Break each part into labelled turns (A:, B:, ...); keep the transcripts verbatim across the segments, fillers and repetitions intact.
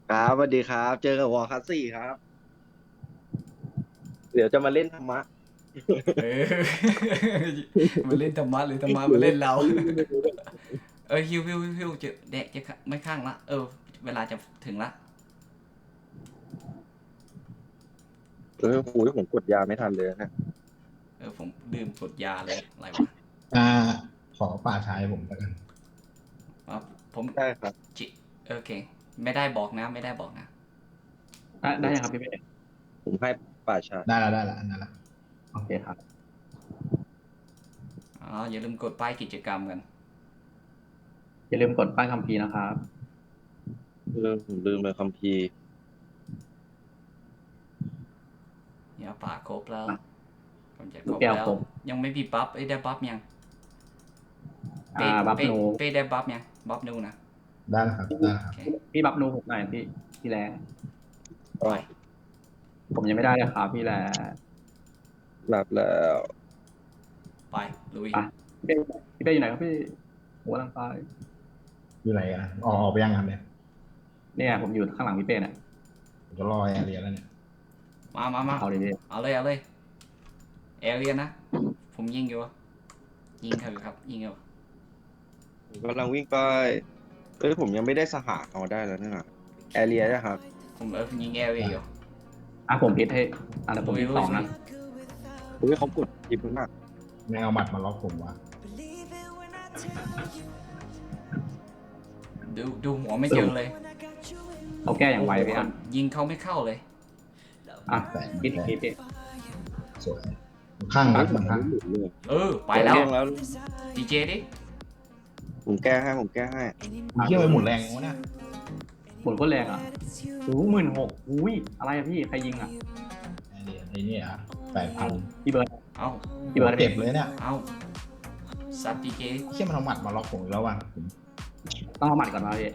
A: ครับสวัสดีครับเจอกับวอลคัสสี่ครับเดี๋ยวจะมาเล่นธรรมะ
B: เออมาเล่นธรรมะหรือธรรมะมาเล่นเราเออฮิวฮิวฮิวฮิวจะเด็กจะไม่ข้างละเออเวลาจะถึงละ
A: เออโอ้ยผมกดยาไม่ทันเลยนะ
B: เออผมดื่มกดยาเลยอะไรวะ
C: อ่าขอป่าชายผมแล้วกัน
B: อ๋อผม
A: ได้ครับ
B: จิโอเคไม่ได้บอกนะไม่ได้บอกนะ
D: ได้ได้ยังครับพี่เป้
A: ผมให้ป่าชา
C: ได้แล้วได้แล้วอันนั้นละ
D: โอเคครับ
B: อ๋ออย่าลืมกดป้ายกิจกรรมกัน
D: อย่าลืมกดป้ายคัมภีร์นะครับ
A: เออผมลืมเลยคัมภีร์
B: อย่าป่าครบแล้วผมจะค
D: ลู
B: รบแล้ว
D: กแก้วครบ
B: ยังไม่มีบัฟเอ้ยได้บัฟยัง
D: อ่า
B: เป้
D: บัฟ
B: เป้
D: นู
B: เป้ได้บัฟยังบัฟนูนะ
C: ได้แล้วครับได้แล้วค
B: โอ
C: รับ
B: เค
D: พี่บัฟนูผมหน่อยพี่พี่แล
B: ไป
D: ผมยังไม่ได้เลยครับพี่แล
A: หลับแล้ว
B: ไปลุย
D: อ่ะพี่เป้พี่เป้อยู่ไหนครับพี่หัวกำลังไป
C: อยู่ไหนอ่ะออกออกไปยังครับเนี่ย
D: เนี่ยผมอยู่ข้างหลังพี่เป้เนี่ย
C: ผมจะรอแอร์เรียนแล้วเนี่ย
B: มามามา
D: เอาเลยพี่
B: เอาเลยเอาเลยเอเรียนนะผมยิงอยู่ยิงเถอะครับยิงอยู่
A: ผมกำลังวิ่งไปเอ้ยผมยังไม่ได้สหาเอาได้แล้วเนี่ยแอเรียนะครับ
B: ผมเออยิงแอเรียอยู่
D: อ่ะผมพิดให้อ่ะแล้วผมพิดสองนะ
A: เฮ้ยเขากดจิบมาก
C: แม่งเอาหมัดมาล็อกผมวะ
B: ดูดูหัวไม่เจอเลย
D: เขาแก้อย่างไวพี่อ่ะ
B: ยิงเขาไม่เข้าเลย
D: อ่ะ
C: แต่
D: พิดอีกทีพี่
C: สวยข้างรักมันข้าง
A: เลย
B: เออไปแล้ว
A: เรื่องแล้ว
B: ดีเจดิ
A: ผมแก้ให้ผมแก้ให้
C: มีเที่ยวไปหมุนแรงวะเนี่ย
D: หมุนก็แรงอ่ะโอ้หมื่นหกอุ้ยอะไรอะพี่ใครยิงอ่ะ
C: แอร์เรียนไอ้เนี่ยแปดพัน
D: พี่เบิร์ด
B: เอา
D: พี่เบิร์ด
C: เจ็บเลยเนี่ย
B: เอาซัดดีเจ
C: เชี่ยมันเอาหมัดมาล็อกผมอีกแล้วว่ะผม
D: ต้องเอาหมัดก่อนมาพี่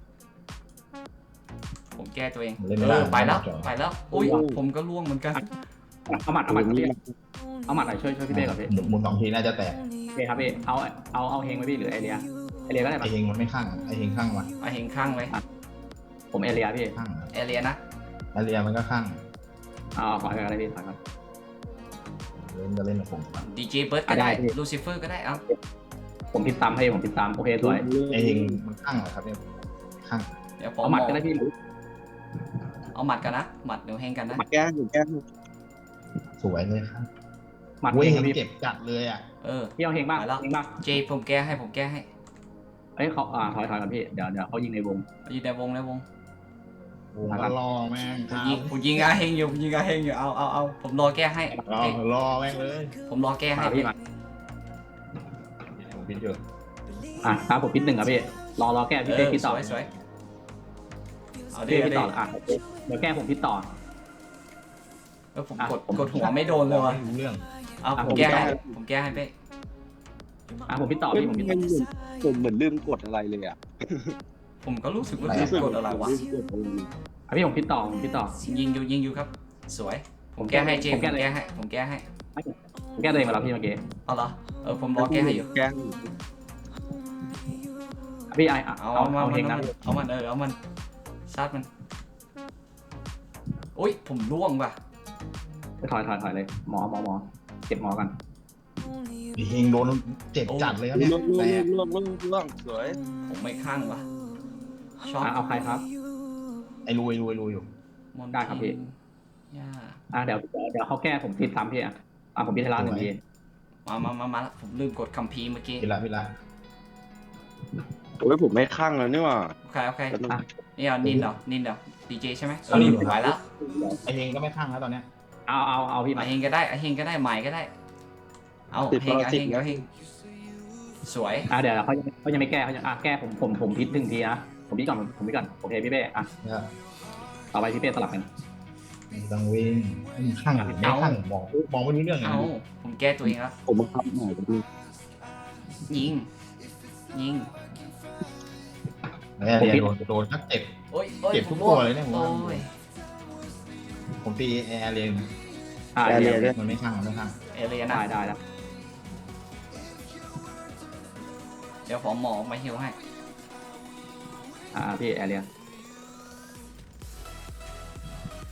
B: ผมแก้ตัวเอง
C: เล่น
B: เอ
C: ไม่ได้
B: อไปแล้ว
C: จอ
B: ไปแล้วอุ้ยผมก็ล่วงเหมือนกัน
D: เอาหมัดเอาหมัดครับพี่เอาหมัดหน่อยช่วยช่วยพี่เป้ก่อนพี่
C: หมุนหมุนสองทีน่าจะแตก
D: โอเคครับพี่ เอา เอา เอาเฮงไว้พี่หรือไอเรียไอเรียก็ได้
C: ไอ
D: ปะ
C: เฮงมันไม่ข้างอะไอเฮงข้างว่ะ
B: เอาเฮงข้างไว้
D: ผมเอเรียพี่
C: ข้างอะ
B: เอเรียนะ
C: แอร์เรียมันก็ข้าง
D: เอาขอให้อะไรพี่ถอยก่อน
C: เล่นจะเล่นกับผมก่อน
B: ดีเจเบิร์ดก็ได้
D: ได้พี่
B: ลูซิเฟอร์ก็ได้เอา
D: ผมพิดซ้ำให้ผมพิดซ้ำโอเคสวย
C: ไอเฮงมันข้างเหรอครับเนี่ยข้าง
B: เดี๋ยวผม
D: เอาหมัดก็ได้พี่
B: เอาหมัดกันนะหมัดเดี๋ยวเฮงกันนะ
A: แก้ผมแก้ให้
C: สวยเลยครับ
D: หมัด
C: เว้ย
D: เฮง
C: เฮง
D: พี่
C: เจ็บจัดเลยอ่ะ
B: เออ
D: พี่เอาเฮงบ้าง
B: ไปแล้ว
D: เฮงบ้าง
B: เจผมแก้ให้ผมแก้ให้
D: เอ้ยเขาอ่าถอยถอยก่อนพี่ เดี๋ยวเดี๋ยวเขายิงในวง
B: อยู่ในวงในวง
C: โอ้มันรอแม่ง
B: ผมยิงผมยิงอาเฮงอยู่ผมยิงอาเฮงอยู่เอาเอาเอาผมรอแก้ให้
C: รอ
B: เอ้ย
C: รอแม่งเลย
B: ผมรอแก้ให้
D: มาพี่มา
C: ผมพิดอยู่
D: อ่ะครับผมพิดหนึ่งครับพี่ รอรอแก้พี่
B: เอ
D: เป้
B: อ
D: พิด
B: ส
D: ต่อ
B: วยสวยเอาดิ
D: พี่
B: เอา
D: พิด
B: ดิ
D: ต่ออ่ะเดี๋ยวแก้ผมพิดต่อ
B: เออผม
D: อ่ะ
B: กด
D: ผม
B: กดหัวไม่โดนเลยว่ะ
C: ไม่รู้เรื่อง
B: เอา
D: อ่ะ
B: ผ
D: ผม ม
B: แก้ให้
D: แก้
B: ผมแก้ให้เป้
D: อ่ะผมพิดต่อ
A: เฮ้ย
D: พี่ผมพิด
A: มั
D: ต่อน
A: เหมือนผมเหมือนลืมกดอะไรเลยอ่ะ
B: ผมก็รู้สึกว่ากดอะไรวะ
A: ลืมกดอะไรเลย
D: อ่ะพี่ผมพิดต่อผมพิดต่อ
B: ยิงอยู่ยิงอยู่ครับ สวย ผมแก้ให้เจม
D: ผม
B: ผ
D: แก้
B: ม
D: เลย
B: แก้ให้ผมแก้ให้
D: ผมแก้ตัวเองมาแล้วพี่เมื่อกี้
B: เอาเหรอเออผมรอแก้ให้อยู่
A: แก้
D: อ่ะพี่ไออ่ะ
B: เอา
D: เอา
B: เอามา
D: เอา
B: มั
D: เฮ
B: น
D: งนะ
B: เอามันเออเอามันซัดมันอุ้ยผมล่วงว่ะ
D: ไปถอยถอยถอยเลยหมอหมอหมอเก็บหมอกัน
C: ไอเฮงโดนเจ็บจัดเลยครับเนี่ย
A: ล่วงล่ว
C: แต่
A: งล่วงล่วงล่วงสวย
B: ผมไม่ข้างว่ะช็อต
D: อ่ะเอาใครครับ
C: ไอรูไอรูไอรูอยู่
B: มน
D: ได้ครับพี่
B: ย่า
D: อ่ะเดี๋ยวเดี๋ยวเขาแก้ผมพิดซ้ำพี่อ่ะอ่ะผมพิดให้ร้านหนึ่งที
B: มามามามาผมลืมกดคัมภีร์เมื่อกี้
C: พิละพิละ
A: โอ้ยผมไม่ข้างแล้วนี่หว่า
B: โอเคโอเคนี่เอานินเหรอนินเหรอดีเจใช่ไหมเอ
C: นิ
B: อน
C: เหรอ
B: ไหวแล้ว
C: ไอเฮงก็ไม่ข้างแล้วตอนเนี้ย
D: เอาเอาเอาพี่
B: อา
D: มา
B: เฮงก็ได้อาเฮงก็ได้ใหม่ก็ได้ เอาเฮงอาเฮงอาเฮงสวย
D: อ่ะเดี๋ยวเขายังเขายังไม่แก้เขายังอ่ะแก้ผมผมผมพิดหนึ่งทีนะผมพิดก่อนผมพิดก่อนโอเคพี่เป้อ่ะ
C: เนี่ย
D: ต่อไปพี่เป้สลับกัน
C: ไม่ต้องวิ่งไม่ข้างหรือไม่ข้างมองมองไม่รู้เรื่องไง
B: เอาผมแก้ตัวเองแล้ว
A: ผมบังคับหน่อยกันดิ
B: ยิงยิง
C: แอร์เรียโดนโดนทักเจ็บ
B: โอ้ยโอ้ย
C: เก็บทุก
B: ผม
C: ตัวเลยเนี่ยผม
B: โอ้
C: ว่า
B: ย
C: ผมตีแอร์เรีย
D: อ่ะ
A: แอ
D: เดี๋
A: เรี
D: ย
A: ยว
C: มันไม่ข้างมันไม่ข้าง
B: เอเลียนะ
D: ได้ได้แล้ว
B: เดี๋ยวผมหมอมาฮิวให้
D: อ่ะพี่แอเรีย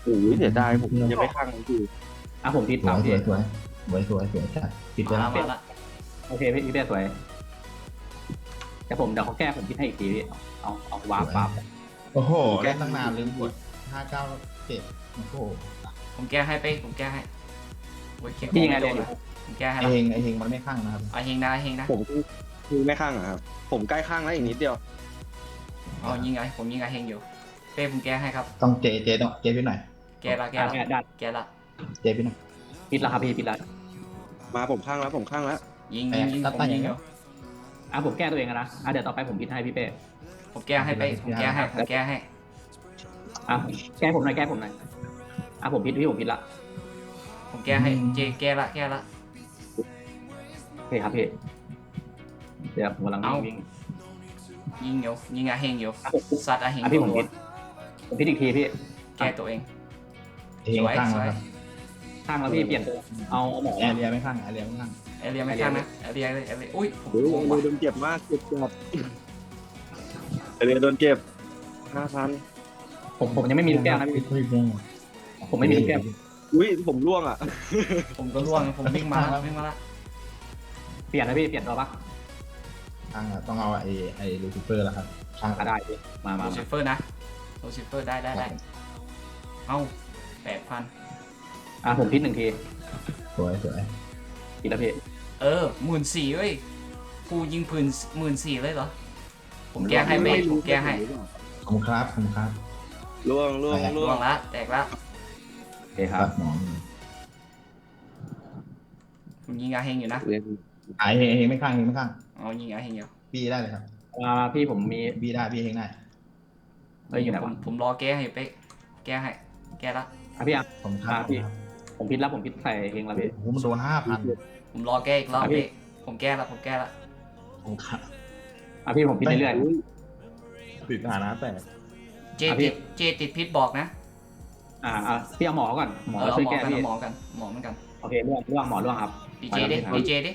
A: โอ้ยเสียดายผมยังไม่ข้างคือ
D: อ่ะผมพิษ
C: สว
D: สายม
C: ส
D: พี่
C: วยสวยสวยสวยสวยจัดปิดไป
B: มา
C: แล้ว
B: มาละ
D: โอเคพี่พี่เป้สวยเดี๋ยวผมเดี๋ยวเขาแก้ผมพิษให้อีกทีพี่เอาเอาวาร์ปวาร์ป
C: โอ้โหเล่นตั้งนานลืมกดห้าเก้าเจ็ดโอ้โห
B: ผมแก้ให้ไปผมแก้ให้โอ้ยเก็บ
D: พี่ยังไง
B: โด
D: เรียน
B: น
D: อยู่
B: ผมแก้ให้
C: ไอ
B: ละ
C: เฮงไอเฮงมันไม่ข้างนะครับ
B: เอาเฮงนะเฮงนะ
A: ผมคือไม่ข้างอะครับ ผมใกล้ข้างแล้วอีกนิดเดียว
B: เอายิงไงผมยิงไงเฮงอยู่เป้ผมแก้ให้ครับ
C: ต้องเจเจต้องเจพี่หน่อย
B: แก้ละแก้
D: อ่ะ
B: ละ
D: แก้ได้
B: แก้ละ
C: เจพี่หน่อย
D: พิษแล้วครับพี่พิษแล้ว
A: มาผมข้างแล้วผมข้างแล้ว
B: ยิง
C: แปะ
B: ยิงยิง
C: ตัด
B: ผม
C: ไป
B: ยิง
C: อย่าง
B: อ
C: เงี้
B: ยู่
C: ย
D: อ่ะผมแก้ตัวเองอะนะอ่ะเดี๋ยวต่อไปผมพิษให้พี่เป้
B: ผมแก้ให้ไปผมแก้ให้ผมแก้ให้
D: อ่ะแก้ผมหน่อยแก้ผมหน่อยอ่ะผมพิษพี่ผมพิษละ
B: ผมแก้ให้เจแก้ละแก้ละ
D: โอเคครับพี่เดี๋ยวผมกำลังวิ่ง
B: ยิงอยู่ยิงไงเฮงอยู่
D: อ่ะผม
B: ซัดอะเฮง
D: อ่ะพี่ผม
B: รัว
D: พิษผมพิษอีกทีพี่
B: ๆแก้ตัวเอง
C: เฮงข้างนะครับ
D: ข้างแล้วพี่เปลี่ยนตัวเอาเอาหมอ
C: แอร์เรียไม่ข้างแอร์เรียไม่ข้าง
B: เอเรียไม่ข้างนะเอเรียเอเรียอุ้ยผม
A: โอ้ย
B: โกง
A: โด
B: ว่ะ
A: นเจ็บมากเจ็บจัดเรียนโดนเจ็บห้าพัน
D: ผมผมยังไม่มีลูกแก้วนะพี่ผมไม่มีลูกแก้ว
A: อุ้ยผมร่วงอ่ะ
B: ผมก็ร่วงผมวิ่งมาวิ่งมาละ
D: เปลี่ยนนะพี่เปลี่ยนตัวปะ
C: ข้างอะต้องเอาไอไอลูซิเฟอร์แล้วครับข้าง
D: อ่ะได้พี่มามา
B: โรซิเฟอร์นะโรซิเฟอร์ได้ได้ได้เอ้าแปดพัน
D: อ่ะผมพิษหนึ่งที
C: สวยสวย
D: พิษแล้วพี่
B: เออหมื่นสี่เว้ยกูยิงปืนหมื่นสี่เลยเหรอผมแก้ให้ไปผมแก้ให้
C: ขอบคุณครับขอบคุณครับ
A: ร่วงร่วงร่
B: ร่
A: ว
B: ว
A: ง
B: งละแตกละ
D: โอเคครับ
C: หมอ
B: ผมยิงอาเฮงอยู่นะ
A: เรียน
C: ไอเฮงเฮงไม่ข้างเฮงไม่ข้าง
B: เอายิงอาเฮงอยู่
C: พี่ได้เลยครับ
D: อ่าพี่ผมมี
C: พี่ได้พี่เฮงได้
D: เอ้ยอยู่ไหน
B: ผม
D: วะ
B: ผมรอแก้ให้ไปแก้ให้แก้ละ
D: อ่ะพี่อ่ะ
C: ผมครับ
D: อ่าพี่ ผมพิษแล้วผมพิษใส่เองแล้วพี่
C: โอ้โหมันโดนห้าพัน
B: ผมรอแก้อีกรอบ
D: อ่ะพี่
B: พี่ผมแก้ละผมแก้ละ
C: ผมครับ
D: อ่ะพี่ผมพิษเรื่อย
C: ปิดฐานะแต่
B: เจ
D: อ่ะพี่
B: ติดเจติดพิษบอกนะ
D: ๆอ่าอ่ะพี่เอาหมอก่อนหมอ
B: เออเอา
D: ช่วย
B: หมอ
D: แก้
B: กัน
D: พี่
B: เอาหมอกันหมอเหมือนกัน
D: โอเคร่วงร่วงหมอร่วงครับ
B: ดีเจดิดีเจดิ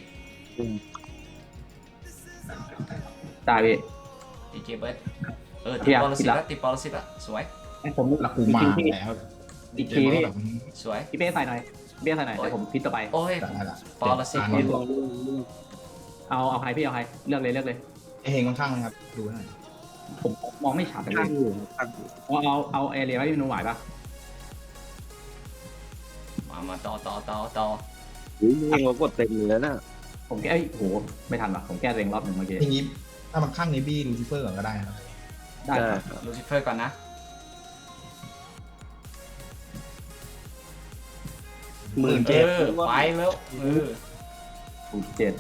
D: ได้พี่
B: ดีเจเบิร์ดเออ
D: เที
B: ติด
D: ยบ
B: ปอลสิ
D: ผิด
B: ต
D: ละ
B: ละติดปอลสิตละสวย
D: ให้ผม
C: ละกูมา
D: พี่
C: แล้ว
D: อีกทีพี่
B: สวย
D: พี่เป้ใส่หน่อยพี่เป้ใส่หน่อยเดี๋ยวผมพิษต่อไป
B: โอ้ย
C: ได้ละ
B: ปอลสิต
C: นี่
D: เอาเอาใครพี่เอาใครเลือกเลยเลือกเลย
C: ไอเฮงค่อนข้างเลยครับดูหน่อย
D: ผมมองไม่ชัดเลย
A: ข้างอยู่ข้างอยู่
D: เอาเอาเอาเอเรียไว้พี่นูไหวปะ
B: มามาต่อต่อต่อต่อ
A: อุ้ยเองเรากดเต็มเลยแล้วน่ะ
D: ผมแก้เอ้ยโหไม่ทันว่ะผมแก้ตัวเองรอบหนึ่งเมื่อกี้
C: ทีนี้ถ้ามันข้างนี้บี้ลูซิเฟอร์ก่อนก็ได้ครับ
D: ได้ครับ
A: ครับ
B: ลูซิเฟอร์ก่อนนะ
A: หมื่น
B: เอ
A: เจ็ด
B: อไปแล้วเออ
D: ถูกเจ็ด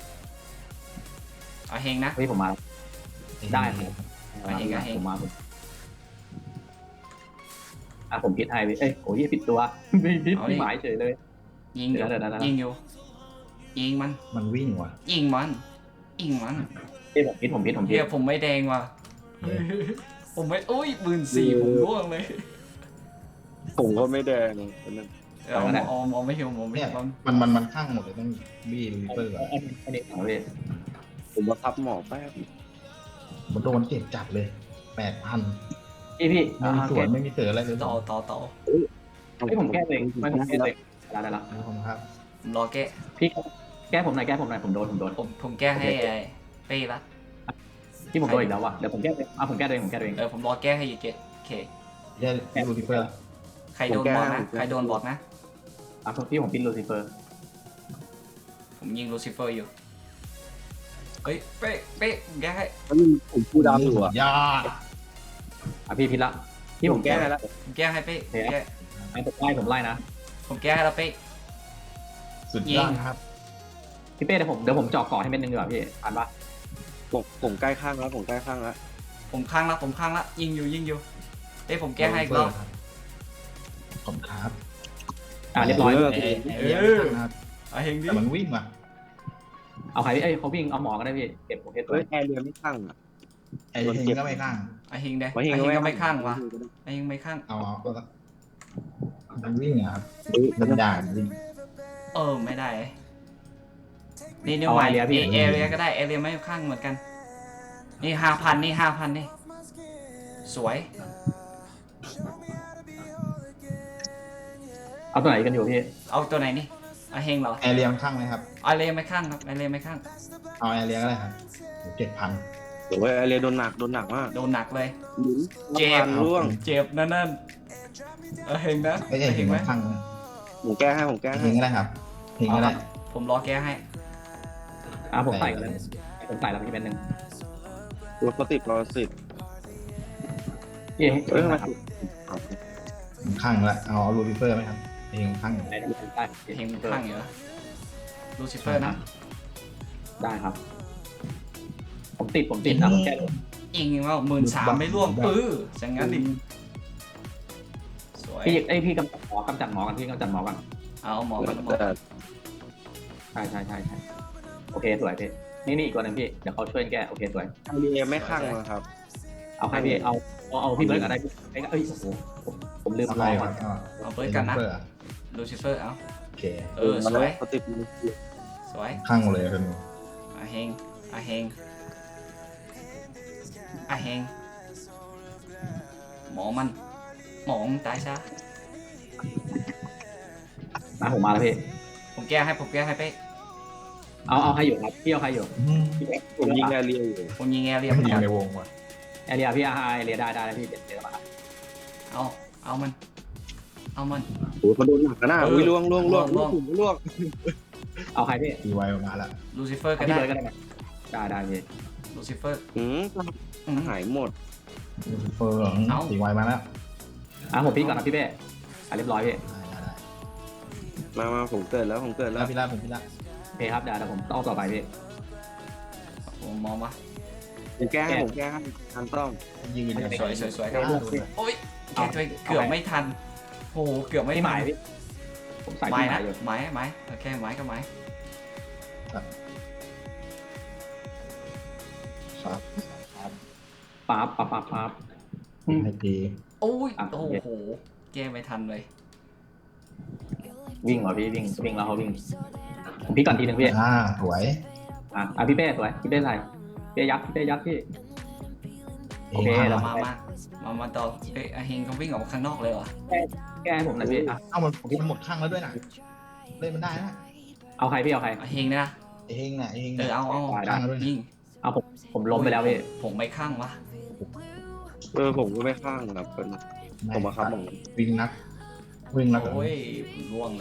B: เอาเฮงนะ
D: เฮ้ยผมมาได้ครับ
B: เอาเองเอาเอง
D: ผมมาผมอ่ะผมพิษให้พี่เอ้ยโอ้ยผิดตัวไม่พิษไม่หมายเฉยเลย
B: ยิงอยู่
D: เดี๋ยวเดี๋ยวเดี๋ยว
B: ยิงอยู่ยิงมัน
C: มันวิ่งว่ะ
B: ยิงมันยิงมัน
D: เอ้ยผมพิษผมพิษผมพิ
B: เฮี
D: ษ
B: ยผมไม่แดงว่ะผมไม่อุ้ยหมื่นสี่ผมร่วงเลย
A: ผมก็ไม่แดงอันนั้น
B: เอาเอาเอาไม่เหี่ยวผมไม่
C: เนี่ย
B: เหี่ยว
C: มันมันมันข้างหมดเลยต้องบี้ลูซิเฟอร์ก่อน
D: อันนี้อันนี้ของพี่
A: ผมมาทับหมอแป๊บ
C: มันโดนเจ็บจัดเลยแปดพัน
D: พี่พี่
C: ไม่มีสวนไม่มีเสืออะไรเลย
B: ต่อต่อต่อ
D: ไม่ผมแก้ตัวเองไม่ผมแก้ตัวเองได้ได้ละ
C: ขอบคุณครับ
B: ผมรอแก้
D: พี่แก้ผมหน่อยแก้ผมหน่อยผมโดนผมโดน
B: ผมผมแก้ให้ไอ้เป้ละ
D: ที่ผมโดนอีกแล้วว่ะเดี๋ยวผมแก้เองอ่ะผมแก้ตัวเองผมแก้ตัวเอง
B: เออผมรอแก้ให้อยู่เจ็ดโอเค
C: ได้ลูซิเฟอร์
B: ใครโดนบอกนะใครโดนบอกนะ
D: อ่ะพี่ผมพิษลูซิเฟอร์
B: ผมยิงลูซิเฟอร์อยู่เฮ้ยเป๊ะเป๊ะผมแก้ให้
A: แล้วมันผมพูดดำอยู่อ่ะ
C: ยอด
D: อ่ะพี่พิษละที่ผมแก้
A: ให้แล้ว
B: ผมแก้ให้เป๊ะผมแก้
D: ให้ผมไล่ผมไล่นะ
B: ผมแก้ให้แล้วเป๊ะ
C: สุดยอดครับ
D: พี่เป้เดี๋ยวผมเดี๋ยวผมเจาะก่อให้เม็ดนึงดีกว่าพี่อ่านปะ
A: ผมผมใกล้ข้างแล้วผมใกล้ข้างแล้ว
B: ผมข้างละผมข้างละยิงอยู่ยิงอยู่เป๊ะผมแก้ให้อีกรอบ
C: ขอบคุณครับ
D: อ่ะเรียบร้อย
B: เออ
C: เออครับ
B: เอาเฮงดิ
C: แต่มันวิ่งว่ะ
D: เอาใครพี่เอ้ยเขาวิ่งเอาหมอก็ได้พี่เก็บโอเคตัว
A: เฮ้ยแอร์เรียไม่ข้างอ่ะ
C: ไอ้เฮงก็ไม่ข้าง
B: เอาเฮงได้
A: ไว้
B: เอา
A: เฮง
B: เฮง
A: ไว้
B: ก็ไม่ข้างวะเอาเฮงไม่ข้าง
C: เอาเอาก็มันวิ่งอะครับ
A: เฮ้ย
C: มันด่ามันวิ่ง
B: เออไม่ได้นี่นิวใหม่เอเอเรียก็ได้เอเรียไม่ข้างเหมือนกันนี่ห้าพันนี่ห้าพันนี่สวย
D: เอาตัวไหนกันอยู่พี่
B: เอาตัวไหนนี่อาเฮงเหรอ
C: แอร์เรียมันข้างไหมครับ
B: อาเรไม่ข้างครับอาเรไม่ข้าง
C: เอาแอร์เรียก็ได้ครับเจ็ดพัน
A: โอ้ยแอเรียโดนหนักโดนหนักมาก
B: โดนหนักเลย
A: เจ็บร่วง
B: เจ็บนั่นนั่นอาเฮงนะ
C: ไม่ใช่
B: อา
C: เห็น
B: ไหม
C: มันข้างนะ
A: ผมแก้ให้ผมแก้
C: เพล
A: ให้
C: งก็ได้ครับเพลงก็ได้
B: ผมรอแก้ให้
D: อ่ะผมใส่กันเลยผมใส่แล้วพี่เป็นหนึ่ง
A: ตัวปกติปกติ
D: พี่
A: เอ้ยทำไม
C: มันข้างแล้วเอาเอาลูซิเฟอร์ไหมครับเพลงข้างอยู่
D: ได้ได้
B: เฮงข้างอยู่นะลูซิเฟอร์นะ
D: ได้ครับ ผมติดผมติดนะผมแก้
B: ยิงว่าหมื่นสามไม่ร่วงปื้ออย่างงั้นดิสวย
D: พี่ไอยพี่กำจัดหมอกำจัดหมอกันพี่กำจัดหมอกัน
B: เอาหมอกันหมอ
A: แต่
D: ใช่ใช่ใช่ใช่โอเคสวยพี่นี่นี่อีกตัวหนึ่งพี่เดี๋ยวเขาช่วยแก้โอเคสวย
A: แอเรียไม่ข้างนะครับ
D: เอาใครพี่เอาเอาเอาพี่เบิร์ดอะไรพี่ไอ้เอ้ยโอ้โหผมผมลืม
C: เอา
D: ร
C: ไป
D: อ
C: ค
D: ก่อ
C: รั
D: น
C: บเอา
B: เอาเบิร์ดกันนะ
C: ลูซิเฟอร์
B: ลูซิเฟอร์เอา
C: โอเค
B: เออสวย
A: ปกติ
B: สวย
C: ข้างหมดเลยเป็น
B: อาเฮงอาเฮงอาเฮงหมอมันหมอมึงตายซะ
D: มาผมมาแล้วพี่
B: ผมแก้ให้ผมแก้ให้ไป
D: เอาเอาใครอยู่ครับพี่เอาใครอยู่
A: ผมยิงแอเรียอยู่
B: ผมยิงแอร์เรีย
C: ไม่
B: ม
C: ยิงในวงว่ะ
D: แอเรียพี่อาไอเรียได้ได้แล้วพี่เดี๋ยวเดี๋ยวมา
B: เอาเอามันเอามัน
A: โอ้ยเขาโดนหนักนะอุ้ยล่วงล่วงล่วง
B: ล่วง
A: ล่วง
D: เอาใครพี่
C: ตีไวออกมาแล้ว
B: ลูซิเฟอร์ก็
D: พี่
B: ได้
D: เบิร์ดก็ได้ไหมได้ได้พี่
B: ลูซิเฟอร์
A: อืม
B: อืม
A: หายหมด
C: ลูซิเฟอร์
B: เอ้า
C: ตีไวมาแล้ว
D: อ่ะผมพี่ก่อนนะพี่เบ้อ่ะเรียบร้อยพี่
C: ได้ได้ได้
A: มามาผมเกิดแล้วผมเกิด
C: แล้
A: แล้ว ว
C: พี่ละผมพี่ละ
D: โอเคครับเดี๋ยวเดี๋ยวผมต้องต่อไปพี่
B: ผมมองว่า
A: ผมแก้ให้ผมแก้ให้ทันต้อง
C: ยืนอย่าง
B: สวยสวยสวยครับ
C: อ่าดูหน่อย
B: โอ้ยแกช่วยเกือบไม่ทันโอ้โหเกือบไม่
D: พี่ห
B: ทั
D: มาย
B: น
D: พี่ผมใส่
B: ไม้
D: พี่หมา
B: นะ
D: ยอยู่
B: ไม้ไม้โอเคไม้ก็ไม้
C: ครับ
D: ปั๊บปั๊บปั๊บปั๊บ
C: ให้ตี
B: โอ้ย
D: อ่ะ
B: โอ้โหแก้ไม่ทันเลย
D: วิ่งเหรอพี่วิ่งวิ่งแล้วเขาวิ่งผมพี่ก่อนทีหนึ่งพี่
C: อ่าสวย
D: อ่ะอ่ะพี่เป้สวยพี่เป้ใส่พี่เป้ยัดพี่เป้ยัดพี่ โอเค
C: ข้าง
D: เรา
B: มามามามาต่อเอ้ยอาเฮงเขาวิ่งออกมาข้างนอกเลยเหรอ
D: แก้ให้ผมหน่อยพี่อ่ะ
C: เอ้ามันมันหมดข้างแล้วด้วยนะเล่นมันได้นะ
D: เอาใครพี่เอาใคร
B: อาเฮงนะ
C: เองน่ะเอง
B: เออเอาเอา
C: ข้างแล้วด้วยนะ
B: ยิง
D: เอาผมผมล้มไปแล้วพี่
B: ผมไม่ข้างวะ
A: เออผมก็ไม่ข้างนะครับเป็นผมมาครับผม
C: วิ่งนัก วิ่งนัก
B: โอ้ยผมร่วงเลย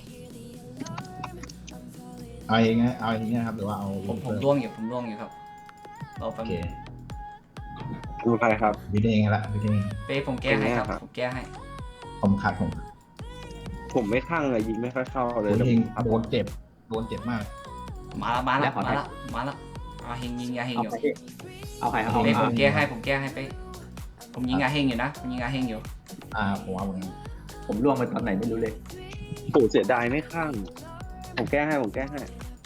C: เอาเองนะเอาเองนะครับหรือว่าเอา
B: ผมผมร่วงอยู่ผมร่วงอยู่ครับเรา
C: โอ
B: แป๊บ
C: เค
B: นึง
A: ดูใครครับ
C: วิดเองละวิดเอง
B: เป้ผมแก้ให้ครับ
A: เป็นไงครับ
B: ผมแก้ให้
C: ผมขาดผม
A: ผมไม่ข้างเลยยิงไม่ค่อยเข้าเลย
C: วิดเอง
A: ครับ
C: โดนเจ็บโดนเจ็บมาก
B: มาแล้วมาแล้วมาแล้วมาแล้วอาเฮงยิงอาเฮง
D: เอา
B: อยู่
D: ใครพี่เอาใครเอา
B: เป้ผ
D: เอา
B: มแก้ให้ผมแก้ให้เป้ผมยิงอาเฮงอยู่นะผมยิงอาเฮงอยู่
C: อ่าผมเอาเหมือนกัน
D: ผมล่วงไปตอนไหนไม่รู้เลย
A: โอ้เสียดายไม่ข้าง ผมแก้ให้ผมแก้ให้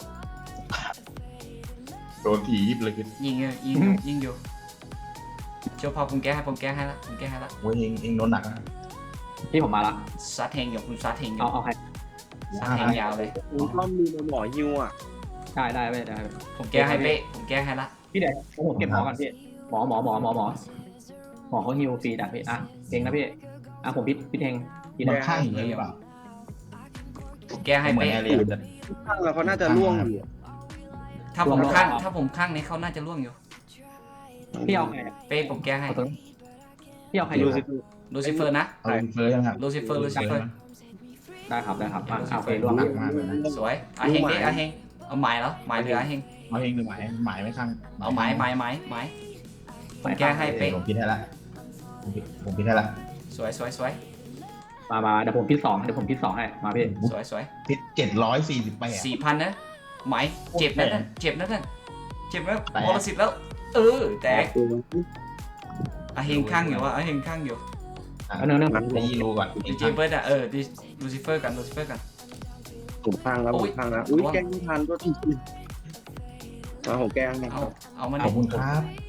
C: โดนถีบเลยคือ
B: ยิงอยู่ยิงอยู่ยิงอยู่เชียวพอผมแก้ให้ผมแก้ให้ละผมแก้ให้ละ
C: โอ้ยเองเองโดนหนักนะ
D: พี่ผมมาละ
B: ซัดเฮงอยู่คุณซัดเฮงอ
D: เอา
B: ยู่
D: เอาใคร
B: ซัดเฮงยาวเลย
A: ผมรอบมือมาหมอฮิวอ่ะ
D: ได้ได้ไม่ได้
B: ผมแก้ให้เป้ผมแก้ให้ละ
D: พี่เดี๋ยวผมเก็บหมอก่อนพี่หมอหมอหมอหมอหมอหมอเขาฮิวฟรีดักพี่อ่ะเองนะพี่อ่ะผมพี่พี่เทงพี่
C: มั
D: เท
C: น
D: ง
C: ข้างอยู่เลยหรือเปล่า
B: ผมแก้ให้
C: เหมือน
B: เป้
C: แอเรียมันจะ
A: ข้างแล้วเขาน่าจะล่วงอยู่
B: ถ้าผมข้างถ้าผมข้างนี้เขาน่าจะร่วงอยู่
D: พี่เอาใครอ่ะ
B: เป้ผมแก้ให้
D: เอาตัวพี่เอาใครอ
A: ดู
D: ยู่
A: สิ
B: ลูซิเฟอร์นะ
C: เอาลูซิเฟอร์ยังครับ
B: ลูซิเฟอร์ลูซิเฟอร์
D: ได้ครับได้ครับอ่ะเอาไปร่วม
C: หนักมากเลยนะ
B: สวยอาเฮงดิอาเฮงเอาไม้แล้วไม้หรืออาเฮง
C: เอาเองหรือหมายหมายไม่ข้าง
B: เอาไม้ไม้ไม้ไม้ผมแก้ให้เป๊ะ
C: ผมพิดให้ละผมพิดผมพิดให้ละ
B: สวยสวยสวย
D: มามาเดี๋ยวผมพี่สองเดี๋ยวผมพี่สองให้มาพี่
B: สวยสวย
C: พิดเจ็ดร้อยสี่สิบแปด
B: สี่พันนะไม้เจ็บนะนั่นเจ็บนะนั่นเจ็บแล้ว
C: แตก
B: บอลสิบแล้ว เออแตก
A: ตัว
B: อาเฮงข้างอยู่วะอาเฮงข้างอยู่
D: เอาเนื้อเนื้อ
C: ได้ยีรูก่อน
B: ดีเจเบิร์ดอะเออดิลูซิเฟอร์กันลูซิเฟอร์กัน
A: ผมข้างแล้วผมข้างแล้วอุ้ยแก้ไม่ทันก็ทีมาผมแก้ให้
B: เอาเอามัน
C: ขอบคุณครับ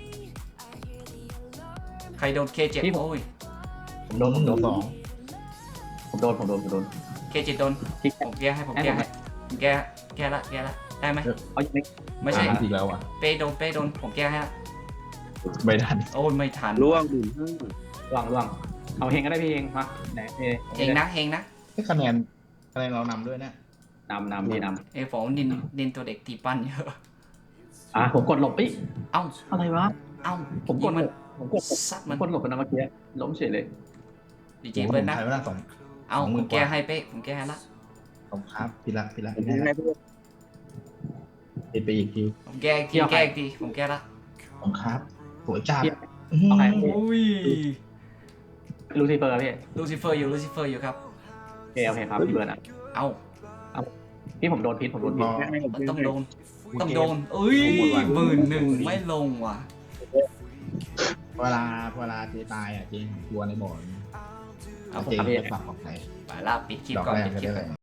B: ใครโดนเคเจ็ดโอ้ย
C: ผมโดนผมโดนสอง
D: ผมโดนผมโดนผมโดน
B: เคเจ็ดโดน
D: ที่
B: ผมแก้ให้ผมแก้ให้ผมแก้แก้ละแก้ละได้ไหม
D: เอาอย่างนี้
B: ไม่ใช่
C: อีกแล้วอ่ะ
B: เป้โดนเป้โดนผมแก้ให้ละ
C: ไม่ทัน
B: โอ้ยไม่ทัน
A: ล่วงหนึ่งห้า
D: ล่วงล่วงเอาเฮงก็ได้พี่เฮงมาไหนเฮ
B: เฮงนะเฮงนะ
C: ให้คะแนนคะแนนเรานำด้วยนะ
D: นำนำพี่น
B: เอ้ยผมนินนินตัวเด็กตีปั้นเยอะ
D: ำอ่ะผมกดหลบเอ้ย
B: เอ้า
D: อะไรวะ
B: เอ้า
D: ผมกด
B: ยิง
D: หล
B: มัน
D: บผมกดหลบ
B: ซัด
D: ผ
B: มั
D: ม
B: น
D: กดหลบไปนะเมื่อกี้ล้มเฉยเลย
B: ดีเจเบิร์นนะ
C: ใช้เวลาสอง
B: เอ้า
C: สองหมื่
B: ผ
C: น
B: มแก้
C: กว่า
B: ให้เป๊ะผมแก้ให้ละ
C: สองครับพี่ละพี่ละ
A: ผม
C: พี่
A: ยิง
C: ละ
A: ให้พี่
C: ติดไปอีกที
B: ผมแก้อีกทีแก้อีกทีผมแก้ละ
C: สองครับสวยจัด
D: เอาใคร
B: อุ้ย
D: ลูซิเฟอร์พี่
B: ลูซิเฟอร์อยู่ลูซิเฟอร์อยู่ครับ
D: โอเคโอเคครับพี่เบิร์ดอ่ะ
B: เอ้า
D: พี่ผมโดนพิษผมโดนพิษ
B: มันต้องโดนต้องโดนเอ้ยหมื่นหนึ่งไม่ลงว่ะ
C: เวลาเวลาเจตายอ่ะเจกลัวในบ่อน
B: เอา
C: เจ
B: ครับ
C: จะปรับออกไหน
B: ไปละปิดคลิป
C: ดอก
B: ก่อน
C: แรก
B: ปิด
C: ก็
B: คลิป
C: ได้
B: ก่อน